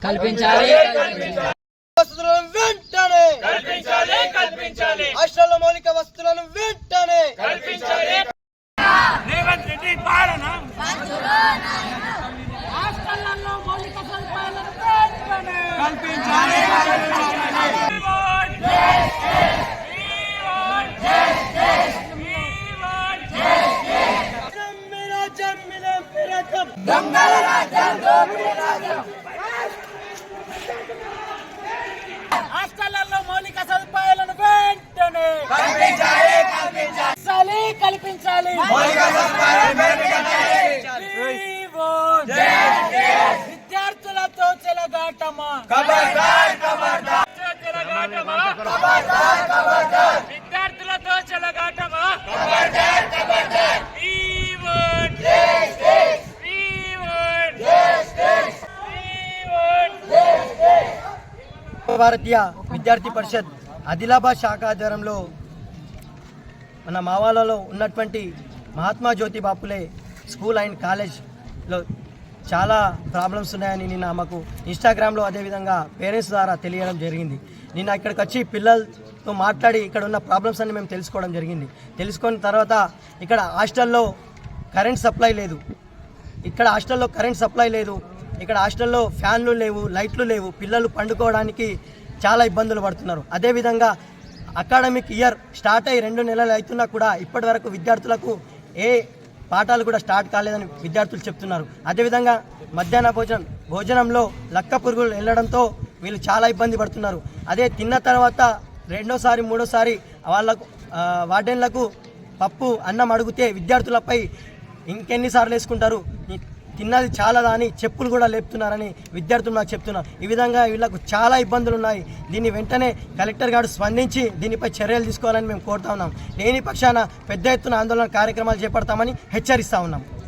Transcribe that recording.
కల్పించాలి. వసతులను వెంటనే కల్పించాలి. హాస్టల్లో మౌలిక వసతులను వెంటనే కల్పించాలి. రేవంత్ రెడ్డి పాలన హాస్టళ్లలో మౌలిక సదుపాయాలను వెంటనే కల్పించాలి. హాస్టళ్లలో మౌలిక సదుపాయాలను వెంటనే కల్పించాలి. విద్యార్థులతో చెలగాటమా, విద్యార్థులతో చెలగాటమా, భారతీయ విద్యార్థి పరిషత్ ఆదిలాబాద్ శాఖ ఆధ్వర్యంలో మన మావాలలో ఉన్నటువంటి మహాత్మా జ్యోతి బాపులే స్కూల్ అండ్ కాలేజ్లో చాలా ప్రాబ్లమ్స్ ఉన్నాయని నిన్న మాకు ఇన్స్టాగ్రామ్లో అదేవిధంగా పేరెంట్స్ ద్వారా తెలియడం జరిగింది. నిన్న ఇక్కడికి వచ్చి పిల్లలతో మాట్లాడి ఇక్కడ ఉన్న ప్రాబ్లమ్స్ అన్ని మేము తెలుసుకోవడం జరిగింది. తెలుసుకున్న తర్వాత ఇక్కడ హాస్టల్లో కరెంట్ సప్లై లేదు, ఇక్కడ హాస్టల్లో ఫ్యాన్లు లేవు, లైట్లు లేవు, పిల్లలు పండుకోవడానికి చాలా ఇబ్బందులు పడుతున్నారు. అదేవిధంగా అకాడమిక్ ఇయర్ స్టార్ట్ అయ్యి 2 నెలలు అవుతున్నా కూడా ఇప్పటి వరకు విద్యార్థులకు ఏ పాఠాలు కూడా స్టార్ట్ కాలేదని విద్యార్థులు చెప్తున్నారు. అదేవిధంగా మధ్యాహ్న భోజనంలో లక్క పురుగులు వెళ్ళడంతో వీళ్ళు చాలా ఇబ్బంది పడుతున్నారు. అదే తిన్న తర్వాత 2వ, 3వసారి వాళ్ళకు వార్డెన్లకు పప్పు అన్నం అడిగితే విద్యార్థులపై ఇంకెన్నిసార్లు వేసుకుంటారు, తిన్నది చాలా అని చెప్పులు కూడా లేపుతున్నారని విద్యార్థులు నాకు చెప్తున్నారు. ఈ విధంగా వీళ్ళకు చాలా ఇబ్బందులు ఉన్నాయి. దీన్ని వెంటనే కలెక్టర్ గారు స్పందించి దీనిపై చర్యలు తీసుకోవాలని మేము కోరుతా ఉన్నాం. లేని పక్షాన పెద్ద ఎత్తున ఆందోళన కార్యక్రమాలు చేపడతామని హెచ్చరిస్తా ఉన్నాం.